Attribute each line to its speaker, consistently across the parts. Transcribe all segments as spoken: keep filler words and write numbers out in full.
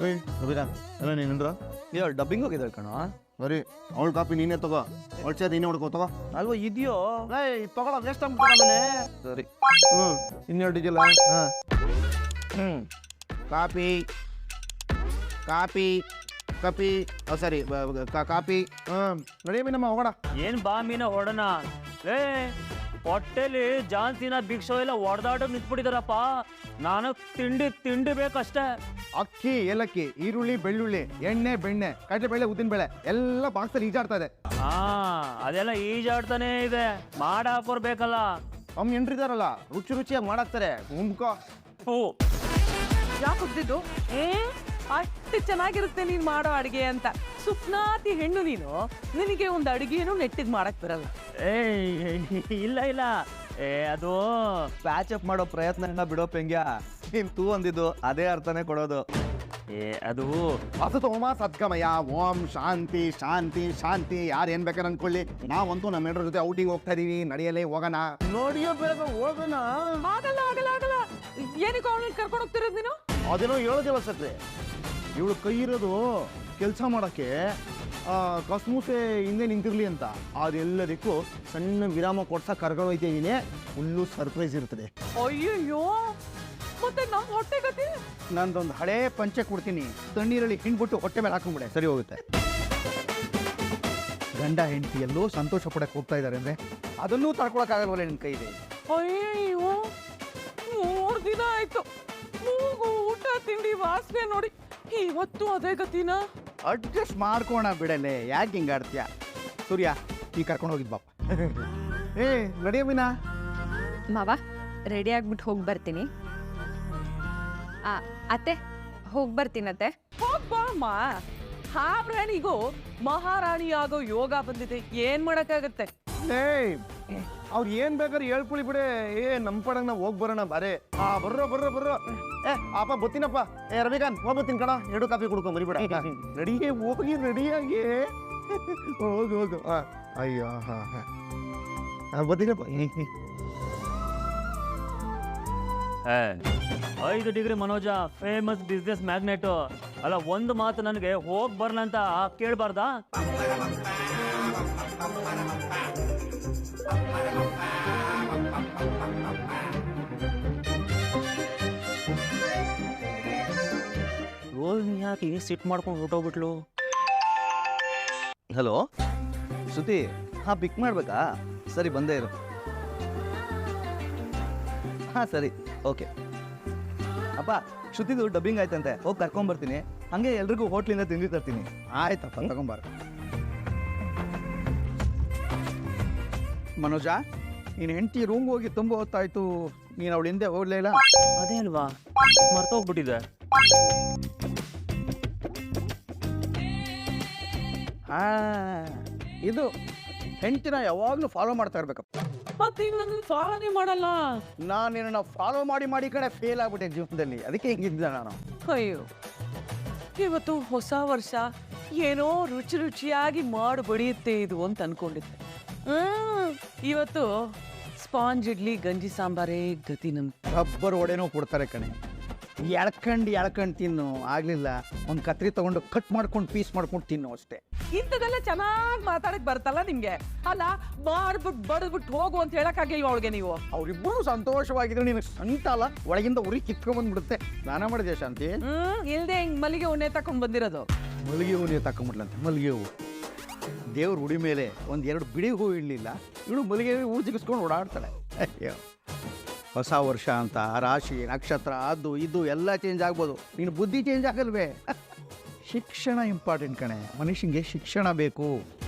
Speaker 1: ಏಯ್ ರವಿರಾಮ್ ಎಲ್ಲ ನೀನಂದ್ರ
Speaker 2: ಇವಾಗ ಡಬ್ಬಿಂಗ್ ಹೋಗಿದ್ದಾಳೆ ಕಣ.
Speaker 1: ಸರಿ ಅವಳ ಕಾಪಿ ನೀನೇ ತಗೋ ಅವಳ ಚೇರ್ ನೀನೇ ಹೊಡ್ಕೋ ತಗೋ.
Speaker 2: ಅಲ್ವಾ ಇದೆಯೋ
Speaker 1: ಏಯ್ ತಗೊಳ ವೇಸ್ಟ್ ಆಗ್ಬಿಟ್ಟಾಮೇಲೆ.
Speaker 2: ಸರಿ
Speaker 1: ಹ್ಞೂ ಇನ್ನೆರಡು ಇದೆಯಲ್ಲ ಹಾಂ ಹ್ಞೂ ಕಾಪಿ ಕಾಪಿ ಕಾಪಿ ಓ ಸರಿ ಕಾಪಿ ಹಾಂ ನಡಿಯ ನಮ್ಮ ಹೋಗೋಣ.
Speaker 3: ಏನ್ ಬಾ ಮೀನ ಹೊಡೋಣ ಏ ಹೊಟ್ಟೆಲಿ ಜಾನ್ಸಿನ ಭಿಕ್ಷೋ ಎಲ್ಲ ಹೊಡೆದಾಟಕ್ಕೆ ನಿಂತ್ಬಿಟ್ಟಿದಾರಪ್ಪ. ನಾನು ತಿಂಡಿ ತಿಂಡಿ ಬೇಕಷ್ಟೇ.
Speaker 1: ಅಕ್ಕಿ ಏಲಕ್ಕಿ ಈರುಳ್ಳಿ ಬೆಳ್ಳುಳ್ಳಿ ಎಣ್ಣೆ ಬೆಣ್ಣೆ ಕಡಲೆಬೇಳೆ ಉದ್ದಿನಬೇಳೆ ಎಲ್ಲ ಬಾಕ್ಸಲ್ಲಿ ಈಜಾಡ್ತಾ ಇದೆ.
Speaker 3: ಹಾ ಅದೆಲ್ಲ ಈಜಾಡ್ತಾನೆ ಇದೆ. ಮಾಡ ಹಾಕೋರ್ ಬೇಕಲ್ಲ.
Speaker 1: ಅಮ್ಮ ಎಂಟ್ರಿದಾರಲ್ಲ ರುಚಿ ರುಚಿಯಾಗಿ ಮಾಡಾಕ್ತಾರೆ. ಉಂಕೋ
Speaker 3: ಹೂ
Speaker 4: ಯಾಕೆ ಹೊಡೆದಿದ್ದು ಏ ಅಷ್ಟು ಚೆನ್ನಾಗಿರುತ್ತೆ ನೀನು ಮಾಡೋ ಅಡುಗೆ ಅಂತ. ಸುಪ್ನಾತಿ ಹೆಣ್ಣು ನೀನು, ನಿನಗೆ ಒಂದು ಅಡುಗೆನೂ ನೆಟ್ಟಿಗೆ ಮಾಡಕ್ ಬರಲ್ಲ.
Speaker 3: ಏ ಇಲ್ಲ ಇಲ್ಲ ಏ ಅದು
Speaker 2: ಪ್ಯಾಚ್ ಅಪ್ ಮಾಡೋ ಪ್ರಯತ್ನ ಬಿಡೋ ಪೆಂಗ್ಯ. ನೀನ್ ತೂ ಅಂದಿದ್ದು ಅದೇ ಅರ್ಥನೇ ಕೊಡೋದು.
Speaker 3: ಏ ಅದು
Speaker 1: ಅಸತು ಓಮ ಸದ್ಗಮಯ ಓಂ ಶಾಂತಿ ಶಾಂತಿ ಶಾಂತಿ. ಯಾರು ಏನ್ ಬೇಕಾದ್ರೆ ಅನ್ಕೊಳ್ಳಿ, ನಾವಂತೂ ನಮ್ಮ ಹೆಂಡ್ರ ಜೊತೆ ಔಟಿಂಗ್ ಹೋಗ್ತಾ ಇದೀವಿ. ನಡಿಯಲೇ ಹೋಗೋಣ. ನೋಡಿಯೋ ಬೇಗ ಹೋಗೋಣ.
Speaker 4: ಆಗಲ್ಲ ಆಗಲ್ಲ ಆಗಲ್ಲ. ಏನಕ್ಕೆ ಅವಳನ್ನ ಕರ್ಕೊಂಡು ಹೋಗ್ತಿರೋದು ನೀನು?
Speaker 1: ಅದೇನೋ ಹೇಳೋದಿಲ್ಲ ಸತ್ರೆ. ಇವಳು ಕೈ ಇರೋದು ಕೆಲಸ ಮಾಡೋಕ್ಕೆ ಕಸ್ಮೂಸೆ ಹಿಂದೆ ನಿಂತಿರ್ಲಿ ಅಂತ. ಅದೆಲ್ಲದಕ್ಕೂ ಸಣ್ಣ ವಿರಾಮ ಕೊಡ್ಸಕ್ಕೆ ಕರ್ಕೊಂಡು ಹೋಗ್ತಾ ಇದ್ದೀನಿ. ಫುಲ್ಲು ಸರ್ಪ್ರೈಸ್ ಇರ್ತದೆ.
Speaker 4: ಅಯ್ಯಯ್ಯೋ ಮತ್ತೆ ನಮ್ಮ ಹೊಟ್ಟೆ ಗತಿ.
Speaker 1: ನಂದೊಂದು ಹಳೇ ಪಂಚೆ ಕೊಡ್ತೀನಿ, ತಣ್ಣೀರಲ್ಲಿ ಹಿಂಡ್ಬಿಟ್ಟು ಹೊಟ್ಟೆ ಮೇಲೆ ಹಾಕೊಂಡ್ಬಿಡೆ ಸರಿ ಹೋಗುತ್ತೆ. ಗಂಡ ಹೆಂಡತಿ ಎಲ್ಲೋ ಸಂತೋಷ ಪಡಕ್ಕೆ ಹೋಗ್ತಾ ಇದ್ದಾರೆ ಅಂದರೆ ಅದನ್ನೂ ತಡ್ಕೊಳಕ್ಕಾಗಲ್ವಲ್ಲ ನಿನ್ನ ಕೈಗೆ.
Speaker 4: ಅಯ್ಯಯ್ಯೋ ಮೂರು ದಿನ ಆಯ್ತು ಮೂಗು ಊಟ ತಿಂಡಿ ವಾಸನೆ ನೋಡಿ ಇವತ್ತು ಅದೇ ಗತಿನ.
Speaker 1: ಅಡ್ಜಸ್ಟ್ ಮಾಡ್ಕೋಣ ಬಿಡಲೆ, ಯಾಕೆ ಹಿಂಗೆ ಆಡ್ತೀಯ? ಸೂರ್ಯ ಈ ಕರ್ಕೊಂಡು ಹೋಗಿದ್ ಬಾಪ. ಏ ನಡಿಯ ಮೀನಾ.
Speaker 5: ಮಾವ ರೆಡಿ ಆಗ್ಬಿಟ್ಟು ಹೋಗಿ ಬರ್ತೀನಿ. ಆ ಅತ್ತೆ ಹೋಗಿ ಬರ್ತೀನತ್ತೆ.
Speaker 4: ಹೋಗ್ಬಾಮ್ಮ. ಹಾವ್ರಾಣಿಗೂ ಮಹಾರಾಣಿ ಆಗೋ ಯೋಗ ಬಂದಿದೆ, ಏನ್ ಮಾಡಕ್ಕಾಗತ್ತೆ.
Speaker 1: ಏಯ್ ಅವ್ರು ಏನ್ ಬೇಕಾದ್ರೆ ಹೇಳ್ಕೊಳ್ಳಿ ಬಿಡೆ. ಏ ನಮ್ಮ ಪಡಂಗ್ ನಾವು ಹೋಗಿ ಬರೋಣ ಬಾರೆ. ಆ ಬರ್ರೋ ಬರ್ರೋ ಬರ್ರೋ. ಏ ಅಪ್ಪ ಬತ್ತೀನಪ್ಪ. ಏ ರವಿಕಾಂತ್ ಹೋಗ್ಬತ್ತೀನಿ ಕಣ. ಎರಡು ಕಾಫಿ ಕುಡ್ಕೊಂಡ್ ಬರಿಬಿಡ. ರೆಡಿಗೆ ಹೋಗಿ ರೆಡಿಯಾಗಿ ಹೋಗು ಹೋಗು. ಹಾಂ ಅಯ್ಯೋ ಹಾಂ ಹಾಂ ಬತ್ತೀನಪ್ಪ.
Speaker 3: ಐದು degree Manoja famous business magnate ಅಲ್ಲ. ಒಂದು ಮಾತು ನನಗೆ ಹೋಗ್ ಬರ್ಲ ಅಂತ ಕೇಳಬಾರ್ದಾ? ರೋಹಿಣಿ ಯಾಕೆ ಈಗ ಸಿಟ್ ಮಾಡ್ಕೊಂಡು ಹೊರಟೋಗ್ಬಿಟ್ಲು?
Speaker 2: ಹಲೋ ಶ್ರುತಿ, ಹಾಂ ಪಿಕ್ ಮಾಡ್ಬೇಕಾ? ಸರಿ ಬಂದೇ ಇರು. ಹಾಂ ಸರಿ ಓಕೆ. ಅಪ್ಪ ಶ್ರುತಿದು ಡಬ್ಬಿಂಗ್ ಆಯ್ತಂತೆ, ಹೋಗಿ ಕರ್ಕೊಂಬರ್ತೀನಿ. ಹಾಗೆ ಎಲ್ರಿಗೂ ಹೋಟ್ಲಿಂದ ತಿಂಡಿ ತರ್ತೀನಿ.
Speaker 1: ಆಯ್ತಪ್ಪ ತಗೊಂಬಾರ. ಮನೋಜ ನೀನು ಹೆಂಡತಿ ರೂಮ್ಗೆ ಹೋಗಿ ತುಂಬ ಹೊತ್ತಾಯ್ತು, ನೀನು ಅವಳ ಹಿಂದೆ ಹೋಗ್ಲೇ ಇಲ್ಲ.
Speaker 3: ಅದೇ ಅಲ್ವಾ ಮರ್ತೋಗ್ಬಿಟ್ಟಿದೆ.
Speaker 1: ಹಾ ಇದು ಹೆಂಡತಿನ ಯಾವಾಗಲೂ ಫಾಲೋ ಮಾಡ್ತಾ ಇರ್ಬೇಕಪ್ಪ.
Speaker 4: ಮತ್ತೆ ನನ್ನ ಫಾಲೋನೇ ಮಾಡಲ್ಲ.
Speaker 1: ನಾನು ನಿನ್ನ ಫಾಲೋ ಮಾಡಿ ಮಾಡಿ ಕಡೆ ಫೇಲ್ ಆಗ್ಬಿಟ್ಟೆ ಜೀವನದಲ್ಲಿ, ಅದಕ್ಕೆ ಹಿಂಗಿದ್ದೆ ನಾನು.
Speaker 4: ಅಯ್ಯೋ ಇವತ್ತು ಹೊಸ ವರ್ಷ, ಏನೋ ರುಚಿ ರುಚಿಯಾಗಿ ಮಾಡಿ ಬಡಿಯುತ್ತೆ ಇದು ಅಂತ ಅನ್ಕೊಂಡಿದ್ದೆ. ಹ್ಮ್ ಇವತ್ತು ಸ್ಪಾಂಜ್ ಇಡ್ಲಿ ಗಂಜಿ ಸಾಂಬಾರೇ ಗತಿ ನಮ್ಗೆ.
Speaker 1: ರಬ್ಬರ್ ಒಡೆನೋ ಕೊಡ್ತಾರೆ ಕಣೆ. ಎಳ್ಕಂಡು ಎಳ್ಕಂಡು ತಿನ್ನು, ಆಗಲಿಲ್ಲ ಒಂದು ಕತ್ರಿ ತೊಗೊಂಡು ಕಟ್ ಮಾಡ್ಕೊಂಡು ಪೀಸ್ ಮಾಡ್ಕೊಂಡು ತಿನ್ನು ಅಷ್ಟೇ.
Speaker 4: ಇಂಥದೆಲ್ಲ ಚೆನ್ನಾಗಿ ಮಾತಾಡಕ್ ಬರ್ತಲ್ಲ ನಿಮ್ಗೆ. ಅಲ್ಲ ಮಾಡ್ಬಿಟ್ಟು ಬಡದ್ಬಿಟ್ಟು ಹೋಗು ಅಂತ ಹೇಳಕ್ಕಾಗಿಲ್ವ ಅವಳಿಗೆ ನೀವು?
Speaker 1: ಅವರಿಬ್ಬರು ಸಂತೋಷವಾಗಿದ್ರು ನಿನಗೆ ಸಂತ ಅಲ್ಲ, ಒಳಗಿಂದ ಉರಿ ಕಿತ್ಕೊಂಡ್ಬಂದ್ಬಿಡುತ್ತೆ. ಸ್ನಾನ ಮಾಡಿದೆ ಶಾಂತಿ?
Speaker 4: ಹ್ಮ್ ಇಲ್ದೆ ಹಿಂಗ್ ಮಲ್ಲಿಗೆ ಉಣ್ಣೆ ತಕೊಂಡ್ ಬಂದಿರೋದು.
Speaker 1: ಮಲ್ಲಿಗೆ ಹೂ ನೀವು ತಕೊಂಬಿಡ್ಲಂತೆ. ಮಲ್ಲಿಗೆ ಹೂವು ದೇವ್ರ ಉಡಿ ಮೇಲೆ ಒಂದು ಎರಡು ಬಿಡಿ ಹೂ ಇಡಲಿಲ್ಲ, ಇವಳು ಮಲ್ಲಿಗೆ ಹೂ ಜಿಗಿಸ್ಕೊಂಡು ಓಡಾಡ್ತಾಳೆ. ಅಯ್ಯೋ ಹೊಸ ವರ್ಷ ಅಂತ ರಾಶಿ ನಕ್ಷತ್ರ ಅದು ಇದು ಎಲ್ಲ ಚೇಂಜ್ ಆಗ್ಬೋದು, ನೀನು ಬುದ್ಧಿ ಚೇಂಜ್ ಆಗಲ್ವೇ? ಶಿಕ್ಷಣ ಇಂಪಾರ್ಟೆಂಟ್ ಕಣೆ, ಮನುಷ್ಯನಿಗೆ ಶಿಕ್ಷಣ ಬೇಕು.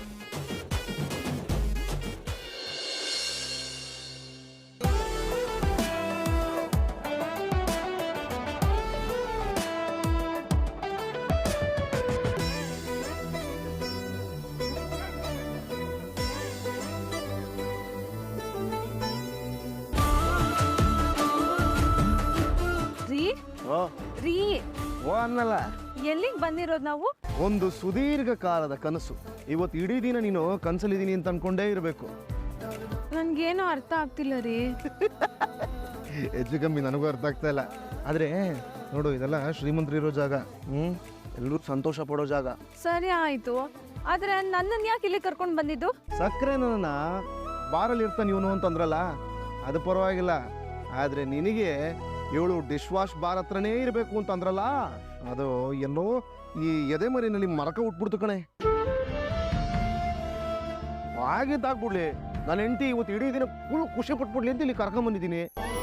Speaker 5: ರೀ
Speaker 1: ಓ
Speaker 5: ರೀ
Speaker 1: ಓ ಅನ್ನಲ್ಲ,
Speaker 5: ಎಲ್ಲಿಗೆ ಬಂದಿರೋದು ನಾವು?
Speaker 1: ಒಂದು ಸುದೀರ್ಘ ಕಾಲದ ಕನಸು. ಇವತ್ತು ಇಡೀ ದಿನ ನೀನು ಕನಸಲ್ಲಿದ್ದೀನಿ ಅಂತ ಅನ್ಕೊಂಡೇ ಇರಬೇಕು.
Speaker 5: ನನ್ಗೇನು ಅರ್ಥ ಆಗ್ತಿಲ್ಲ ರೀ.
Speaker 1: ಹೆಚ್ಚು ಕಮ್ಮಿ ನನಗೂ ಅರ್ಥ ಆಗ್ತಾ ಇಲ್ಲ. ಆದರೆ
Speaker 2: ನೋಡು ಇದೆಲ್ಲ ಶ್ರೀಮಂತರು ಇರೋ ಜಾಗ. ಹ್ಞೂ ಎಲ್ಲರೂ ಸಂತೋಷ ಪಡೋ ಜಾಗ.
Speaker 5: ಸರಿ ಆಯ್ತು, ಆದ್ರೆ ನನ್ನನ್ನು ಯಾಕೆ ಇಲ್ಲಿ ಕರ್ಕೊಂಡು ಬಂದಿದ್ದು?
Speaker 2: ಸಕ್ಕರೆ ನನ್ನ ಬಾರಲ್ಲಿ ಇರ್ತಾನೆ ಇವನು ಅಂತಂದ್ರಲ್ಲ, ಅದು ಪರವಾಗಿಲ್ಲ. ಆದರೆ ನಿನಗೆ ಇವಳು ಡಿಶ್ ವಾಶ್ ಬಾರ್ ಹತ್ರನೇ ಇರಬೇಕು ಅಂತಂದ್ರಲ್ಲ, ಅದು ಎಲ್ಲೋ ಈ ಎದೆ ಮರಿನಲ್ಲಿ ಮರಕ ಉಟ್ಬಿಡ್ತು ಕಣೆ. ಆಗಿದ್ದಾಗ್ಬಿಡ್ಲಿ, ನನ್ನ ಹೆಂಡತಿ ಇವತ್ತು ಇಡೀ ದಿನ ಫುಲ್ ಖುಷಿ ಪಟ್ಬಿಡ್ಲಿ ಅಂತ ಇಲ್ಲಿ ಕರ್ಕೊಂಬಂದಿದ್ದೀನಿ.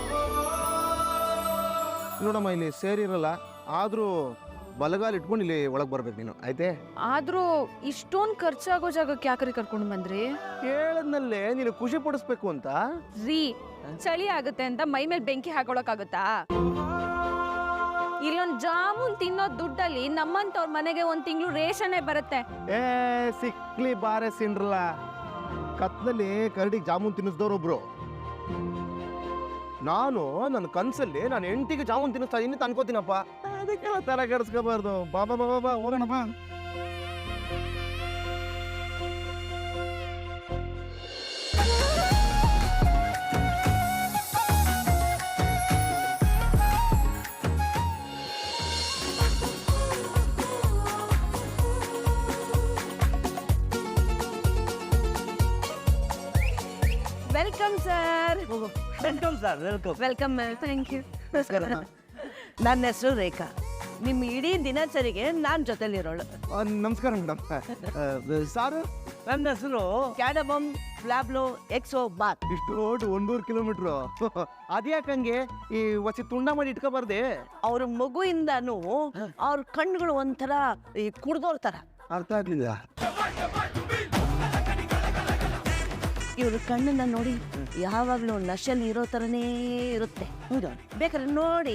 Speaker 2: ನೋಡಮ್ಮ, ಇಲ್ಲಿ ಸೇರಿರಲ್ಲ, ಆದರೂ ಬಲಗಾಲ ಇಟ್ಕೊಂಡು ಇಲ್ಲಿ ಒಳಗೆ ಬರ್ಬೇಕು ನೀನು, ಆಯ್ತೆ?
Speaker 5: ಆದ್ರೂ ಇಷ್ಟೊಂದು ಖರ್ಚಾಗೋ ಜಾಗಕ್ಕೆ ಯಾಕ್ರಿ ಕರ್ಕೊಂಡು ಬಂದ್ರಿ?
Speaker 2: ಹೇಳದ್ನಲ್ಲೇ ನೀನು ಖುಷಿ ಪಡಿಸ್ಬೇಕು ಅಂತ.
Speaker 5: ರೀ, ಚಳಿ ಆಗುತ್ತೆ ಅಂತ ಮೈ ಮೇಲೆ ಬೆಂಕಿ ಹಾಕೊಳಕ್ಕಾಗುತ್ತಾ? ಇಲ್ಲೊಂದ್ ಜಾಮೂನ್ ತಿನ್ನೋ ದುಡ್ಡಲ್ಲಿ ನಮ್ಮಂತವ್ರ ಮನೆಗೆ ಒಂದ್ ತಿಂಗಳು ರೇಷನ್ನೇ ಬರುತ್ತೆ.
Speaker 2: ಏ ಸಿಕ್ಲಿ ಬಾರೆ ಸಿಂಡ್ರಲ್ಲ, ಕತ್ನಲ್ಲಿ ಕರಡಿಗೆ ಜಾಮೂನ್ ತಿನ್ನಿಸ್ದವ್ರೊಬ್ರು. ನಾನು ನನ್ನ ಕನ್ಸಲ್ಲಿ ನಾನು ಹೆಂಡತಿಗೆ ಜಾಮೂನ್ ತಿನ್ನಿಸ್ತಾ ಇದ್ದೀನಿ ಅಂತ ಅನ್ಕೋತೀನಪ್ಪ. ಅದಕ್ಕೆಲ್ಲ ತರ ಕೆಡಿಸ್ಕೋಬಾರ್ದು. ಬಾಬಾ ಬಾಬಾ ಬಾ ಹೋಗೋಣಪ್ಪ.
Speaker 5: Welcome sir.
Speaker 3: Welcome sir, welcome.
Speaker 5: Welcome thank you.
Speaker 6: ನನ್ನ ಹೆಸರು ರೇಖಾ. ನಿಮ್ಮ ಇಡೀ ದಿನಚರಿಗೆ ನಾನು ಜೊತೆಲಿರೋಳು.
Speaker 2: ನಮಸ್ಕಾರ ಮೇಡಮ್. ಸಾರು
Speaker 6: ನನ್ನ ಹೆಸರು ಕ್ಯಾಡಬಮ್ ಫ್ಲಾಬ್ಲೋ ಎಕ್ಸೋ ಬಾತ್.
Speaker 2: ಇಷ್ಟು ರೋಡ್ ಒಂದೂರು ಕಿಲೋಮೀಟ್ರು ಅದ್ಯಾಕಂಗೆ ಈ ವಸಿ ತುಂಡ ಮಾಡಿ ಇಟ್ಕೋಬಾರ್ದೆ?
Speaker 6: ಅವ್ರ ಮಗುಯಿಂದನೂ ಅವ್ರ ಕಣ್ಣುಗಳು ಒಂಥರ ಈ ಕುಡ್ದೋರ್ ಥರ.
Speaker 2: ಅರ್ಥ ಆಗ್ಲಿಲ್ಲ.
Speaker 6: ಇವ್ರ ಕಣ್ಣನ್ನ ನೋಡಿ ಯಾವಾಗಲೂ ನಶೆಯಲ್ಲಿ ಇರೋ ಥರನೇ ಇರುತ್ತೆ. ಹೌದಾ? ಬೇಕಾದ್ರೆ ನೋಡಿ.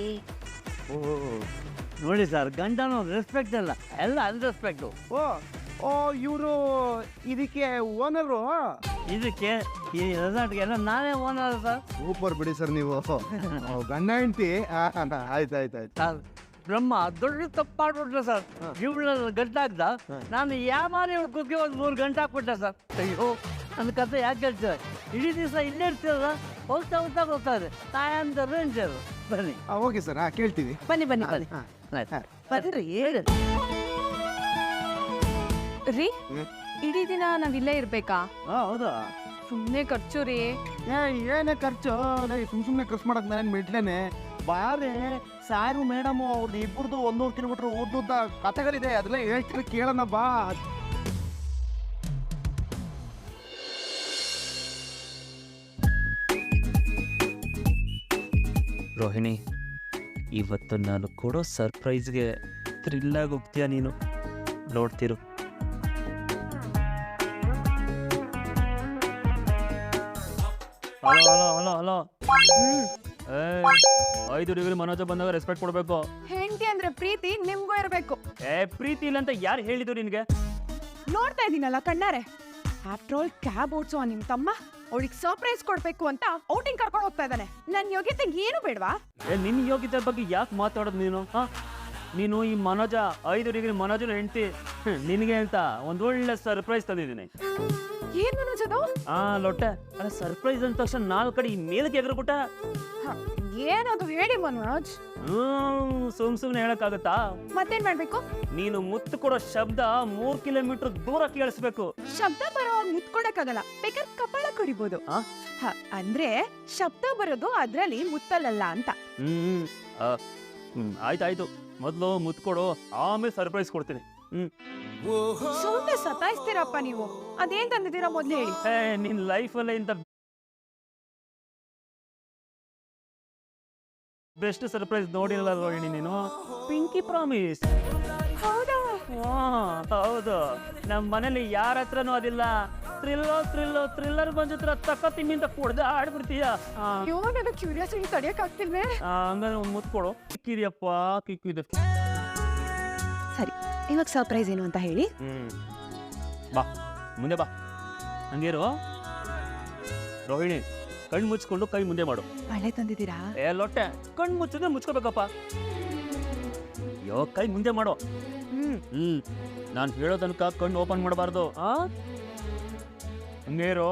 Speaker 3: ನೋಡಿ ಸರ್, ಗಂಡನು ರೆಸ್ಪೆಕ್ಟ್ ಅಲ್ಲ, ಎಲ್ಲ ಅನ್ರೆಸ್ಪೆಕ್ಟು.
Speaker 2: ಓ ಓ ಇವರು ಇದಕ್ಕೆ ಓನರು?
Speaker 3: ಇದಕ್ಕೆ ಈ ರೆಸಾರ್ಟ್ಗೆ ಎಲ್ಲ ನಾನೇ ಓನರ್ ಸರ್.
Speaker 2: ಸೂಪರ್ ಬಿಡಿ ಸರ್ ನೀವು. ಗಂಡ ಹೆಂಡತಿ. ಆಯ್ತು ಆಯ್ತು ಆಯ್ತು.
Speaker 3: ಸರ್, ಬ್ರಹ್ಮ ದೊಡ್ಡ ತಪ್ಪು ಮಾಡ್ಬಿಟ್ರೆ ಸರ್. ಇವಳ ಗಂಟಾಗ್ದ, ನಾನು ಯಾಮಾರಿ ಇವಳು ಕುಗ್ಗಿ ಒಂದು ಮೂರು ಗಂಟೆ ಹಾಕ್ಬಿಟ್ಟೆ ಸರ್. ಅಯ್ಯೋ, ನನ್ನ ಕತೆ ಯಾಕೆ ಹೇಳ್ತಾರೆ? ಇಡೀ ದಿವಸ ಇಲ್ಲೇ ಇರ್ತೀರ, ಹೋಗ್ತಾ ಹೋಗ್ತಾ ಹೋಗ್ತಾರೆ. ತಾಯಂದ ರೇಂಜ್ ಅದು. ಬನ್ನಿ.
Speaker 2: ಓಕೆ ಸರ್, ಹಾಂ ಕೇಳ್ತೀವಿ.
Speaker 6: ಬನ್ನಿ ಬನ್ನಿ ಬನ್ನಿ
Speaker 3: ಆಯ್ತು.
Speaker 6: ಬರ್ರಿ ಹೇಳಿ.
Speaker 5: ರೀ, ಇಡೀ ದಿನ ನಾವ್ ಇಲ್ಲೇ ಇರ್ಬೇಕಾ?
Speaker 3: ಹಾಂ, ಹೌದಾ?
Speaker 5: ಸುಮ್ನೆ ಖರ್ಚು ರೀ.
Speaker 2: ಏ ಏನೇ ಖರ್ಚು ಸುಮ್ ಸುಮ್ಮನೆ ಖರ್ಚು ಮಾಡಕ್ ನಾನು ಮಿಟ್ಲೇನೆ. ಬಾರೆ ಸಾರು ಮೇಡಮ್ ಅವ್ರದ್ದು ಇಬ್ಬರದು ಒಂದೂರು ಕಿಲೋಮೀಟ್ರ್ ಉದ್ದುದ್ದ ಕಥೆಗಳಿದೆ, ಅದೆಲ್ಲ ಹೇಳ್ತಾರೆ, ಕೇಳೋಣ ಬಾ.
Speaker 3: ರೋಹಿಣಿ, ಇವತ್ತು ನಾನು ಕೊಡೋ ಸರ್ಪ್ರೈಸ್ಗೆ ಥ್ರಿಲ್ಲಾಗಿ ಹೋಗ್ತೀಯ ನೀನು. ನೋಡ್ತಿರು. ಹಲೋ ಹಲೋ ಹಲೋ ಹಲೋ ಏ, ಐದು ಡಿಗ್ರಿ ಮನೋಜ ಬಂದಾಗ ರೆಸ್ಪೆಕ್ಟ್ ಕೊಡಬೇಕು.
Speaker 5: ಹೆಂಡತಿ ಅಂದ್ರೆ ಪ್ರೀತಿ ನಿಮ್ಗೂ ಇರ್ಬೇಕು.
Speaker 3: ಏ, ಪ್ರೀತಿ ಇಲ್ಲ ಅಂತ ಯಾರು ಹೇಳಿದ್ರು ನಿನಗೆ?
Speaker 7: ನೋಡ್ತಾ ಇದೀನಲ್ಲ ಕಣ್ಣಾರೆ. ಆಫ್ಟರ್ ಆಲ್ ಕ್ಯಾಬ್ ಓಡಿಸುವ ನಿಮ್ ತಮ್ಮ ಅವಳಿಗೆ ಸರ್ಪ್ರೈಸ್ ಕೊಡ್ಬೇಕು ಅಂತ ಔಟಿಂಗ್ ಕರ್ಕೊಂಡು ಹೋಗ್ತಾ ಇದ್ದಾನೆ. ನನ್ನ ಯೋಗ್ಯತೆ ಏನು ಬೇಡವಾ?
Speaker 3: ಏ, ನಿನ್ನ ಯೋಗ್ಯತೆ ಬಗ್ಗೆ ಯಾಕೆ ಮಾತಾಡೋದು ನೀನು? ಹಾ, ನೀನು ಈ ಮನೋಜ ಐದು ಡಿಗ್ರಿ ಮನೋಜನ ಹೆಂಡತಿ. ನಿನಗೆ ಅಂತ ಒಂದು ಒಳ್ಳೆ ಸರ್ಪ್ರೈಸ್ ತಂದಿದ್ದೀನಿ.
Speaker 7: ಏನ್ ಮನೋಜದು?
Speaker 3: ಆ ಲೊಟ್ಟೆ, ಅಲ್ಲ ಸರ್ಪ್ರೈಸ್ ಅಂದ ತಕ್ಷಣ ನಾಲ್ಕು ಕಡೆ ಈ ಮೇಲಕ್ಕೆ ಎಗರ್ಬಿಟ್ಟ.
Speaker 7: ಏನದು ಹೇಳಿ ಮನೋಜ್.
Speaker 3: ಹ್ಮ್ ಸುಮ್ ಸುಮ್ನೆ ಹೇಳಕ್ಕಾಗತ್ತಾ?
Speaker 7: ಮತ್ತೇನ್ ಮಾಡ್ಬೇಕು?
Speaker 3: ನೀನು ಮುತ್ತು ಕೊಡೋ ಶಬ್ದ ಮೂರ್ ಕಿಲೋಮೀಟರ್ ದೂರ ಕೇಳಿಸ್ಬೇಕು.
Speaker 7: ಶಬ್ದ ಬರೋವಾಗ ಮುತ್ಕೊಡಕ್ಕಾಗಲ್ಲ, ಬೇಕಾದ್ರೆ ಕಪಾಳ ಕಡಿಬೋದು.
Speaker 3: ಆ?
Speaker 7: ಹ, ಅಂದ್ರೆ ಶಬ್ದ ಬರೋದು ಅದ್ರಲ್ಲಿ ಮುತ್ತಲಲ್ಲ ಅಂತ.
Speaker 3: ಹ್ಮ್ ಆ, ಹ್ಮ್ ಆಯ್ತಾಯ್ತು, ಮೊದ್ಲು ಮುತ್ತು ಕೊಡು, ಆಮೇಲೆ ಸರ್ಪ್ರೈಸ್ ಕೊಡ್ತೀನಿ. ಹ್ಮ್
Speaker 7: ಸುಮ್ಮನೆ ಸತಾಯಿಸ್ತೀರಪ್ಪ ನೀವು. ಅದೇನ್ ತಂದಿದ್ದೀರಾ ಮೊದ್ಲು ಹೇಳಿ.
Speaker 3: ಏ, ನಿನ್ ಲೈಫಲ್ಲೇ ಇಂಥ ಬೆಸ್ಟ್ ಸರ್ಪ್ರೈಸ್ ನೋಡಿರಲ್ಲ ರೋಹಿಣಿ ನೀನು. Pinky promise.
Speaker 7: ಹೌದಾ?
Speaker 3: ಹೌದು, ನಮ್ಮ ಮನೇಲಿ ಯಾರ ಹತ್ರನೂ ಅದಿಲ್ಲ. ಥ್ರಿಲ್ಲೋ ಥ್ರಿಲ್ಲೋ ಥ್ರಿಲ್ಲರ್ ಬಂದ ಹತ್ರ ತಕ್ಕ ತಿಮ್ಮಿಂದ ಕುಡ್ದು ಆಡ್ಬಿಡ್ತೀಯ.
Speaker 7: ಅಯ್ಯೋ, ನನಗೆ ಕ್ಯೂರಿಯಾಸಿಟಿ ತಡೆಯಕ್ ಆಗ್ತಿಲ್ವೇ?
Speaker 3: ಹಂಗಾದ್ರೆ ಒಂದು ಮುತ್ತು ಕೊಡು. ಕಿಕ್ಕಿದ್ಯಪ್ಪ, ಕಿಕ್ಕಿದೆ.
Speaker 7: ಸರಿ, ಇವಾಗ ಸರ್ಪ್ರೈಸ್ ಏನು ಅಂತ ಹೇಳಿ.
Speaker 3: ಹ್ಮ್ ಬಾ, ಮುಂದೆ ಬಾ. ಹಂಗೇರು ರೋಹಿಣಿ, ಕಣ್ಣು ಮುಚ್ಕೊಂಡು ಕೈ ಮುಂದೆ ಮಾಡು.
Speaker 7: ಮಳೆ ತಂದಿದ್ದೀರಾ?
Speaker 3: ಏ ಲೊಟ್ಟೆ, ಕಣ್ಣು ಮುಚ್ಚಿದ್ರೆ ಮುಚ್ಕೋಬೇಕಪ್ಪ. ಯೋ, ಕೈ ಮುಂದೆ ಮಾಡು.
Speaker 7: ಹ್ಮ್
Speaker 3: ಹ್ಮ್ ನಾನು ಹೇಳೋ ತನಕ ಕಣ್ಣು ಓಪನ್ ಮಾಡಬಾರ್ದು. ಆ ಹಂಗೇರು.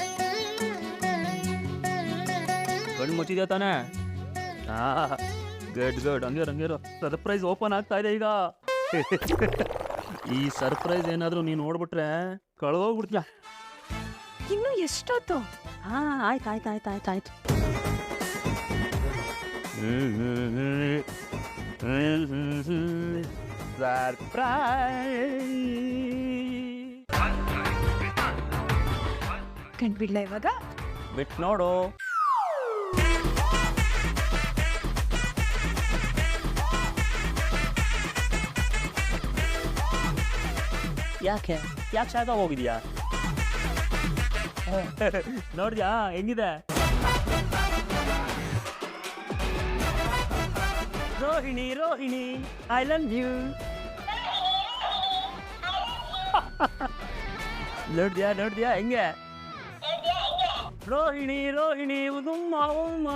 Speaker 3: ಕಣ್ಣು ಮುಚ್ಚಿದ್ಯಾ ತಾನೆ? ಆ
Speaker 8: ಗಡ್ ಗಡ್ ಹಂಗೆ ಹಂಗೇರು ಸರ್ಪ್ರೈಸ್ ಓಪನ್ ಆಗ್ತಾ ಇದೆ ಈಗ. ಈ ಸರ್ಪ್ರೈಸ್ ಏನಾದರೂ ನೀನು ನೋಡ್ಬಿಟ್ರೆ ಕಳ್ದೋಗ್ಬಿಡ್ತೀಯ.
Speaker 7: ಇನ್ನು ಎಷ್ಟೊತ್ತು?
Speaker 6: ಹಾ ಆಯ್ತು ಆಯ್ತು ಆಯ್ತು ಆಯ್ತು ಆಯ್ತು
Speaker 7: ಕಂಡ್ಬಿಡ್ಲ ಇವಾಗ?
Speaker 8: ಬಿಟ್ಟು ನೋಡು. ಯಾಕೆ ಯಾಕೆ ಶಾಖ ಹೋಗಿದ್ಯಾ? ನೋಡಿದ್ಯಾ ಹೆಂಗಿದೆ? Rohini Rohini I love you. ನೋಡಿದ್ಯಾ ನೋಡಿದ್ಯಾ ಹೆಂಗೆ? ರೋಹಿಣಿ ರೋಹಿಣಿ ಉದುಮ್ಮ ಉಮ್ಮ.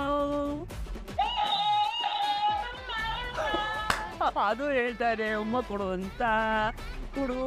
Speaker 8: ಅದು ಹೇಳ್ತಾರೆ ಉಮ್ಮ ಕೊಡು ಅಂತ. ಕೊಡು.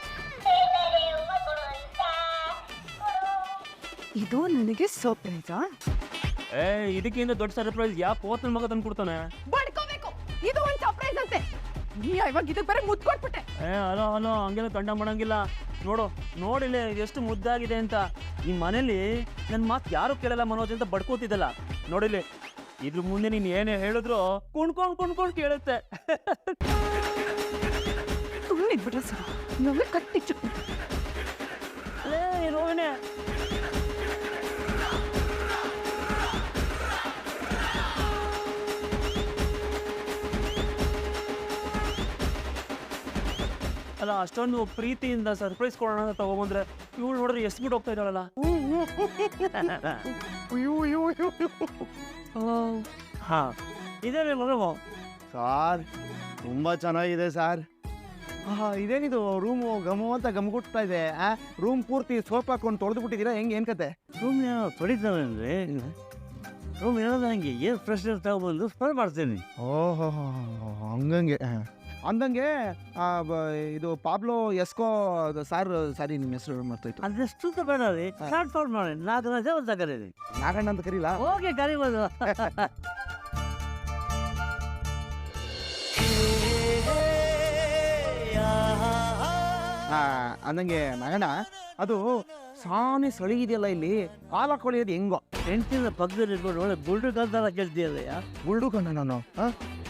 Speaker 7: ಇದು ನನಗೆ ಸರ್ಪ್ರೈಸಾ?
Speaker 8: ಏ ಇದಕ್ಕಿಂತ ದೊಡ್ಡ ಸರ್ಪ್ರೈಸ್ ಯಾವ ಪೋತನ ಮಗ ತಂದು ಕೊಡ್ತಾನೆ?
Speaker 7: ಬಡ್ಕೋಬೇಕು. ಇದು ಒಂದು ಸರ್ಪ್ರೈಸ್ ಅಂತೆ. ನೀ ಇವಾಗ ಇದಕ್ಕೆ ಬರೀ ಮುದ್ದು ಕೊಟ್ಬಿಟ್ಟೆ.
Speaker 8: ಏ ಅಲೋ ಅಲೋ ಹಂಗೆಲ್ಲ ತಂಡ ಮಾಡಂಗಿಲ್ಲ. ನೋಡು ನೋಡಿಲ್ಲ ಎಷ್ಟು ಮುದ್ದಾಗಿದೆ ಅಂತ. ಈ ಮನೇಲಿ ನನ್ನ ಮಾತು ಯಾರು ಕೇಳಲ್ಲ ಮನೋಜ್ ಅಂತ ಬಡ್ಕೋತಿದ್ದಲ್ಲ. ನೋಡಿಲಿ ಇದ್ರ ಮುಂದೆ ನೀನು ಏನೇ ಹೇಳಿದ್ರು ಕುಣ್ಕೊಂಡು ಕುಣ್ಕೊಂಡು ಕೇಳುತ್ತೆ.
Speaker 7: ಸುಮ್ಮನೆ ಇದ್ಬಿಟ್ರೆ ಸರ್, ಇವಾಗ ಕಟ್ಟಿಚ್ಚು.
Speaker 8: ಏ ರೋಹಿಣಿ ಅಲ್ಲ ಅಷ್ಟೊಂದು ಪ್ರೀತಿಯಿಂದ ಸರ್ಪ್ರೈಸ್ ಕೊಡೋಣ ಅಂತ ತಗೊಂಬಂದ್ರೆ ಇವಳು ನೋಡ್ರಿ ಎಷ್ಟು ಬಿಟ್ಟು ಹೋಗ್ತಾ ಇದ್ದಾಳಲ್ಲ. ಹಾ ಇದೇ ಮಗ
Speaker 2: ಸಾರ್ ತುಂಬ ಚೆನ್ನಾಗಿದೆ ಸಾರ್. ಹಾ ಇದೇನಿದು ರೂಮು ಗಮು ಅಂತ ಗಮಗುಟ್ತಾ ಇದೆ. ಆ ರೂಮ್ ಪೂರ್ತಿ ಸೋಪ್ ಹಾಕೊಂಡು ತೊಳೆದು ಬಿಟ್ಟಿದ್ದೀರಾ? ಹೆಂಗೆ ಏನು ಕತೆ?
Speaker 3: ರೂಮ್ ಏನೋ ತೊಳಿತಾವೆ ಅಂದರೆ ರೂಮ್ ಏನೋ ನನಗೆ ಏನು ಫ್ರೆಶ್ನೆಸ್ ತಗೊಬಂದು ಸ್ಮೆಲ್ ಮಾಡ್ತೀನಿ.
Speaker 2: ಓಹೋ ಹಂಗಂಗೆ ಅಂದಂಗೆ ಆ, ಬ- ಇದು ಪಾಬ್ಲೋ ಎಸ್ಕೋ ಅದು ಸಾರ್ ಸಾರಿ ನಿಮ್ಮ ಹೆಸರು ಮಾಡ್ತಾಯಿತ್ತು.
Speaker 3: ಅದೆಷ್ಟು ಬೇಡ ರೀ ಶಾರ್ಟ್ ಫಾರ್ಮ್ ಮಾಡಿ ನಾಲ್ಕು ಜನ ಅಂತ ಕರೀರಿ.
Speaker 2: ನಾಗಣ್ಣ ಅಂತ ಕರೀಲಾ?
Speaker 3: ಹೋಗಿ ಕರಿಬೋದು.
Speaker 2: ಹಾ ಅಂದಂಗೆ ನಾಗಣ್ಣ ಅದು ಸಾನೆ ಸಳಿಗಿದೆಯಲ್ಲ ಇಲ್ಲಿ ಕಾಲ ಕೊಳಿಯೋದು ಹೆಂಗೋ?
Speaker 3: ಹೆಂಡತಿನ ಪಕ್ಕದಲ್ಲಿ ಇಟ್ಕೊಂಡು ಒಳ್ಳೆ ಬುಲ್ಡು ಕಲ್ತಾರ ಕೇಳ್ತೀಯಲ್ಲ.
Speaker 2: ಬುಲ್ಡು ಕಣ್ಣ ನಾನು.